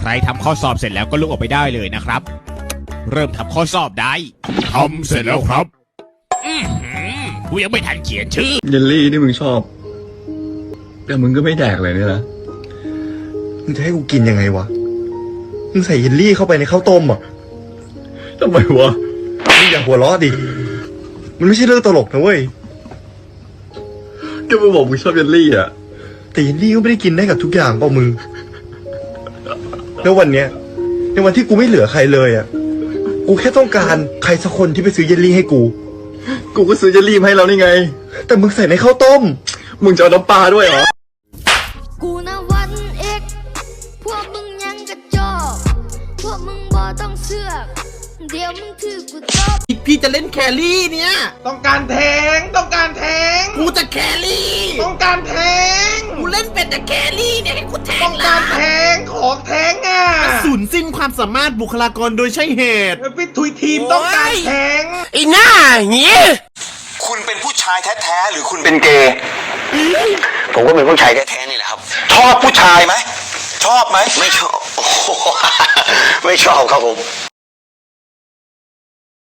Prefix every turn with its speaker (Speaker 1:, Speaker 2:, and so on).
Speaker 1: รทำข้อสอบเสร็จแล้วก็ลุกออกไปได้เลยนะครับเริ่มทำข้อสอบได้ทำเสร็จแล้วครับกูยังไม่ทันเขียนชื่อ
Speaker 2: เยลลี่ที่มึงชอบแต่มึงก็ไม่แดกเลยเนี่ยนะมึงจะให้กูกินยังไงวะมึงใส่เยลลี่เข้าไปในข้าวต้มอ่ะทำไมวะมึงอย่าหัวเราะดิมันไม่ใช่เรื่องตลกนะเว้ยก็มึงบอกมึงชอบเยลลี่อ่ะแต่เยลลี่ก็ไม่ได้กินได้กับทุกอย่างเปล่ามึงแล้ววันเนี้ยในวันที่กูไม่เหลือใครเลยอ่ะกูแค่ต้องการใครสักคนที่ไปซื้อเยลลี่ให้กูก็ซื้อเยลลี่มาให้เรานี่ไงแต่มึงใส่ในข้าวต้มมึงจะเอาน้ำปลาด้วยเหรอ
Speaker 3: กูนะวันเอกพวกมึงยังกระจอกพวกมึงบ่ต้องเสือกเดี๋ยวมึงถือกูจบ
Speaker 4: พี่จะเล่นแครี่เนี่ย
Speaker 5: ต้องการแทง
Speaker 4: กูจะแครี่
Speaker 5: ต้องการแทง
Speaker 4: กูเล่นเป็นแต่แครี่เนี่ยให้กูแทง
Speaker 5: ต้องการแทงของแทงอ่ะ
Speaker 4: สูญสิ้นความสามารถบุคลากรโดยใช่เหตุ
Speaker 5: พี่ทุยทีมต้องการแทง
Speaker 4: ไอ้หน้าเงี้ย
Speaker 6: คุณเป็นผู้ชายแท้ๆหรือคุณเป็นเกย์ผมก็เป็นผู้ชายแท้ๆนี่แหละครับชอบผู้ชายไหมชอบไหมไม่ชอบไม่ชอบครับผม